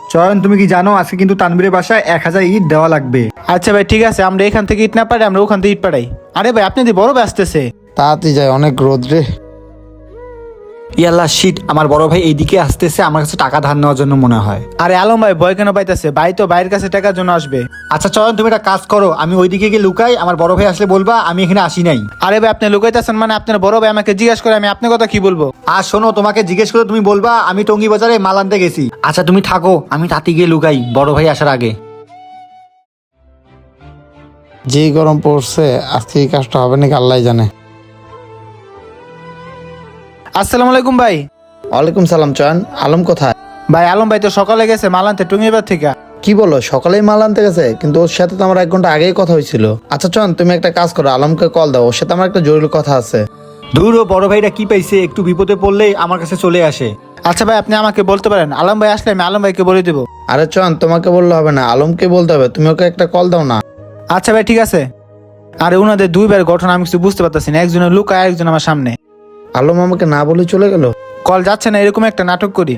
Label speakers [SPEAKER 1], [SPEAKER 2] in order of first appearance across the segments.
[SPEAKER 1] চয়ন, তুমি কি জানো আজকে কিন্তু তানবীরের বাসায় 1000 ইট দেওয়া লাগবে।
[SPEAKER 2] আচ্ছা ভাই ঠিক আছে, আমরা এখান থেকে ইট না পারি, আমরা ওখান থেকে ইট পাঠাই। আরে ভাই আপনি দি বড় ভাই আসতেছে।
[SPEAKER 3] তাড়াতাড়ি যায়, অনেক রোদ রে।
[SPEAKER 1] ইয়াল্লা শিট, আমার বড় ভাই এইদিকে আসতেছে আমার কাছে টাকা ধার নেওয়ার জন্য মনে হয়।
[SPEAKER 2] আরে আলম ভাই ভয় কেন পাইতেছে? ভাই তো ভাইয়ের কাছে টাকার জন্য আসবে।
[SPEAKER 1] আচ্ছা চয়ন, তুমি একটা কাজ করো, আমি ওইদিকে গিয়ে লুকাই, আমার বড় ভাই আসলে বলবা আমি এখানে আসি নাই।
[SPEAKER 2] আরে ভাই আপনি লুকাইতেছেন মানে? আপনার বড় ভাই আমাকে জিজ্ঞাসা করে আমি আপনার কথা কি বলবো?
[SPEAKER 1] আর শোনো, তোমাকে জিজ্ঞেস করে তুমি বলবা আমি টঙ্গী বাজারে মাল আনতে গেছি। আচ্ছা তুমি থাকো, আমি তাতে গিয়ে লুকাই বড় ভাই আসার আগে।
[SPEAKER 3] যেই গরম পড়ছে, আজকে এই কাজটা হবে নাকি আল্লাহ জানে।
[SPEAKER 2] আসসালামু আলাইকুম ভাই।
[SPEAKER 3] ওয়ালাইকুম সালাম। চয়ন, আলম কোথায়?
[SPEAKER 2] ভাই আলম ভাই তো সকালে গেছে মাল আনতে টুঙ্গিবার থেকে।
[SPEAKER 3] কি বলো, সকালেই মাল আনতে গেছে? কিন্তু ওর সাথে তো আমার 1 ঘন্টা আগেই কথা হয়েছিল। আচ্ছা চয়ন, তুমি একটা কাজ করো, আলমকে কল দাও, ওর সাথে আমার একটা জরুরি কথা আছে।
[SPEAKER 1] দূর, ও বড় ভাইটা কি পাইছে, একটু বিপদে পড়লেই আমার কাছে চলে আসে।
[SPEAKER 2] আচ্ছা ভাই আপনি আমাকে বলতে পারেন, আলম ভাই আসলে আমি আলম ভাইকে বলে দেবো।
[SPEAKER 3] আরে চয়ন, তোমাকে বললে হবে না, আলমকে বলতে হবে, তুমি ওকে একটা কল দাও না।
[SPEAKER 2] আচ্ছা ভাই ঠিক আছে। আরে ওনাদের দুইবার ঘটনা আমি কিছু বুঝতে পারতেছি না, একজনের লুকায় একজন আমার সামনে।
[SPEAKER 3] আলম আমাকে না বলে চলে গেল।
[SPEAKER 2] কল যাচ্ছে না, এরকম একটা নাটক করি।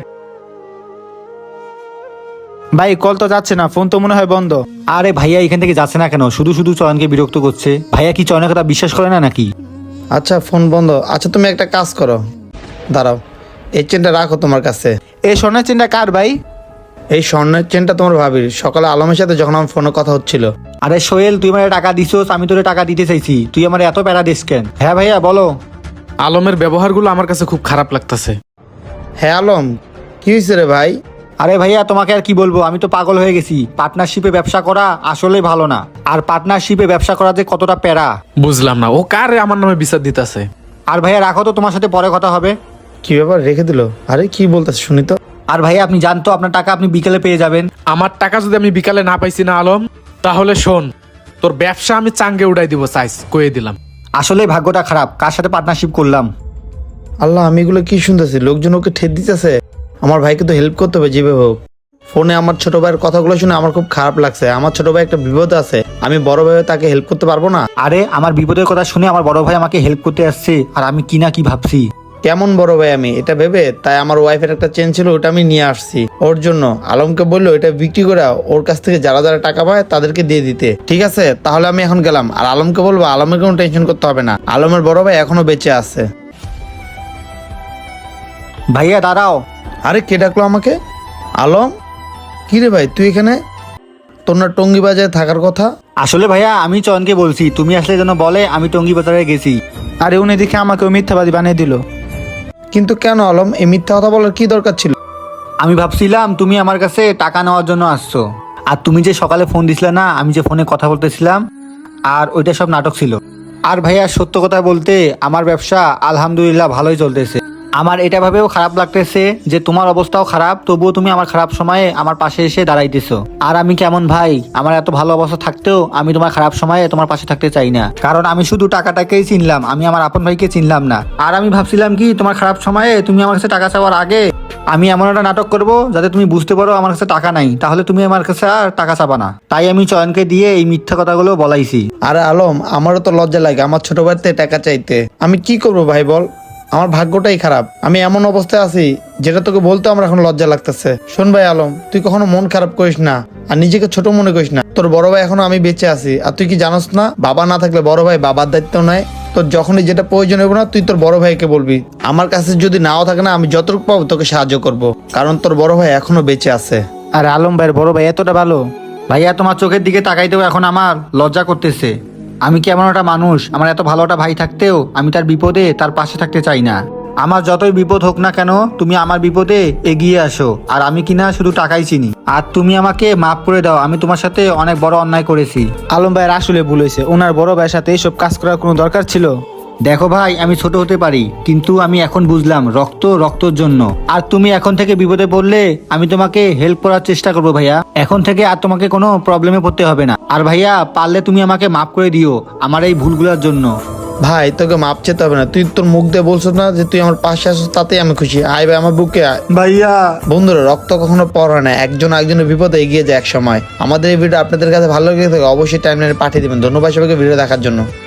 [SPEAKER 2] ভাই কল তো যাচ্ছে না, ফোন তো মনে হয় বন্ধ।
[SPEAKER 1] আরে ভাইয়া এখান থেকে যাচ্ছে না কেন? শুধু শুধু চয়নকে বিরক্ত করছে। ভাইয়া কি চয়নের কথা বিশ্বাস করে না নাকি?
[SPEAKER 3] আচ্ছা ফোন বন্ধ। আচ্ছা তুমি একটা কাজ করো, দাঁড়াও, এই চেনটা রাখো তোমার কাছে।
[SPEAKER 2] এই স্বর্ণের চেনটা কার ভাই?
[SPEAKER 3] এই স্বর্ণের চেনটা তোমার ভাবির। সকালে আলমের সাথে যখন আমার ফোনে কথা হচ্ছিল।
[SPEAKER 1] আরে সোহেল, তুই আমার টাকা দিছোস, আমি তোরে টাকা দিতে চাইছি, তুই আমার এত প্যারা দিস কেন? হ্যাঁ ভাইয়া বলো।
[SPEAKER 4] আলমের ব্যবহারগুলো আমার কাছে খুব খারাপ লাগতেছে।
[SPEAKER 3] হ্যাঁ আলম, কি হয়েছে রে ভাই?
[SPEAKER 1] আরে ভাইয়া তোমাকে আর কি বলবো, আমি তো পাগল হয়ে গেছি। পার্টনারশিপে ব্যবসা করা আসলে ভালো না, আর পার্টনারশিপে ব্যবসা করা যে কতটা প্যারা।
[SPEAKER 4] বুঝলাম না, ও কার আমার নামে বিচার দিতেছে?
[SPEAKER 1] আর ভাইয়া রাখো তো, তোমার সাথে পরে কথা হবে।
[SPEAKER 3] কি ব্যাপার, রেখে দিল? আরে কি বলতেছে শুনি তো।
[SPEAKER 1] আর ভাইয়া আপনি জানতো আপনার টাকা আপনি বিকেলে পেয়ে যাবেন।
[SPEAKER 4] আমার টাকা যদি আমি বিকালে না পাইছি না আলম, তাহলে শোন, তোর ব্যবসা আমি চাঙ্গে উড়াই দিব, সাইজ কয়ে দিলাম।
[SPEAKER 1] আসলে ভাগ্যটা খারাপ, কার সাথে পার্টনারশিপ করলাম।
[SPEAKER 3] আল্লাহ, আমি এগুলো কি শুনতেছি? লোকজন ওকে ঠেট দিতেছে। আমার ভাইকে তো হেল্প করতে হবে যেভাবে হোক। ফোনে আমার ছোট ভাইয়ের কথাগুলো শুনে আমার খুব খারাপ লাগছে। আমার ছোট ভাই একটা বিপদ আছে, আমি বড় ভাই হয়ে তাকে হেল্প করতে পারবো না?
[SPEAKER 1] আরে আমার বিপদের কথা শুনে আমার বড় ভাই আমাকে হেল্প করতে আসছে, আর আমি কি না কি ভাবছি।
[SPEAKER 3] কেমন বড় ভাই আমি এটা ভেবে, তাই আমার ওয়াইফের একটা চেন ছিল, ওটা আমি নিয়ে আসছি ওর জন্য। আলমকে বললো এটা বিক্রি করে ওর কাছ থেকে যারা যারা টাকা পায় তাদেরকে দিয়ে দিতে। ঠিক আছে, তাহলে আমি এখন গেলাম। আর আলমকে বলবো আলমের কোনো টেনশন করতে হবে না, আলমের বড় ভাই এখনো বেঁচে আছে।
[SPEAKER 1] ভাইয়া দাঁড়াও।
[SPEAKER 3] আরে কে ডাকলো আমাকে? আলম, কি রে ভাই তুই এখানে? তোর না টঙ্গী বাজারে থাকার কথা?
[SPEAKER 1] আসলে ভাইয়া আমি চয়নকে বলছি তুমি আসলে যেন বলে আমি টঙ্গী বাজারে গেছি।
[SPEAKER 2] আরে উনি দেখে আমাকে মিথ্যাবাদী বানিয়ে দিল।
[SPEAKER 3] কিন্তু কেন আলম, এই মিথ্যা কথা বলার কি দরকার ছিল?
[SPEAKER 1] আমি ভাবছিলাম তুমি আমার কাছে টাকা নেওয়ার জন্য আসছো, আর তুমি যে সকালে ফোন দিছিলে না, আমি যে ফোনে কথা বলতেছিলাম, আর ওইটা সব নাটক ছিল। আর ভাইয়া সত্য কথা বলতে আমার ব্যবসা আলহামদুলিল্লাহ ভালোই চলতেছে। আমার এটা ভাবেও খারাপ লাগতেছে যে তোমার অবস্থাও খারাপ, তবুও তুমি আমার খারাপ সময়ে আমার পাশে এসে দাঁড়াইতেছো। আর আমি কেমন ভাই, আমার এত ভালো অবস্থা থাকতেও আমি তোমার খারাপ সময়ে তোমার পাশে থাকতে চাই না, কারণ আমি শুধু টাকাটাকেই চিনলাম, আমি আমার আপন ভাইকে চিনলাম না। আর আমি ভাবছিলাম কি তোমার খারাপ সময়ে তুমি আমার কাছে টাকা চাওয়ার আগে আমি এমন একটা নাটক করব যাতে তুমি বুঝতে পারো আমার কাছে টাকা নাই, তাহলে তুমি আমার কাছে আর টাকা চাবা না। তাই আমি চয়নকে দিয়ে এই মিথ্যা কথাগুলো বলাইছি।
[SPEAKER 3] আরে আলম, আমারও তো লজ্জা লাগে আমার ছোট ভাইতে টাকা চাইতে। আমি কি করবো ভাই বল, আমার ভাগ্যটাই খারাপ। আমি এমন অবস্থায় আছি যেটা তোকে বলতে আমার এখন লজ্জা লাগতেছে। শোন ভাই আলম, তুই কখনো মন খারাপ করিস না, আর নিজেকে ছোট মনে করিস না। তোর বড় ভাই এখনো আমি বেঁচে আছি, আর তুই কি জানোস না বাবা না থাকলে বড় ভাই বাবার দায়িত্ব নেয়। তোর যখনই যেটা প্রয়োজন হবে না, তুই তোর বড় ভাইকে বলবি। আমার কাছে যদি নাও থাকে না, আমি যতটুকু পাবো তোকে সাহায্য করব, কারণ তোর বড় ভাই এখনো বেঁচে আছে।
[SPEAKER 2] আর আলম ভাইয়ের বড় ভাই এতটা ভালো?
[SPEAKER 1] ভাইয়া তোমার চোখের দিকে তাকাইতেও এখন আমার লজ্জা করতেছে। আমি কি এমন একটা মানুষ, আমার এত ভালো একটা ভাই থাকতেও আমি তার বিপদে তার পাশে থাকতে চাই না। আমার যতই বিপদ হোক না কেন তুমি আমার বিপদে এগিয়ে আসো, আর আমি কিনা শুধু টাকাই চিনি। আর তুমি আমাকে মাফ করে দাও, আমি তোমার সাথে অনেক বড় অন্যায় করেছি।
[SPEAKER 2] আলম ভাইয়ের আসলে ভুল হয়েছে, ওনার বড় ভাইয়ের সাথে এইসব কাজ করার কোনো দরকার ছিল?
[SPEAKER 1] দেখো ভাই, আমি ছোট হতে পারি, কিন্তু আমি এখন বুঝলাম রক্ত রক্তর জন্য। আর তুমি এখন থেকে বিপদে পড়লে আমি তোমাকে হেল্প করার চেষ্টা করবো ভাইয়া। এখন থেকে আর তোমাকে কোনো প্রবলেমে পড়তে হবে না। আর ভাইয়া পারলে তুমি আমাকে মাফ করে দিও আমার এই ভুলগুলোর জন্য।
[SPEAKER 3] ভাই তোকে মাপ চেতে হবে না, তুই তোর মুখ দিয়ে বলছিস না যে তুই আমার পাশে আসিস, তাতেই আমি খুশি। আয় ভাই আমার বুকে আয়।
[SPEAKER 1] ভাইয়া
[SPEAKER 3] বন্ধুরা, রক্ত কখনো পর হয় না, একজন একজনের বিপদে এগিয়ে যায় এক সময়। আমাদের এই ভিডিও আপনাদের কাছে ভালো লেগে থাকে অবশ্যই টাইমলাইনে পাঠিয়ে দিবেন। ধন্যবাদ সবাইকে ভিডিও দেখার জন্য।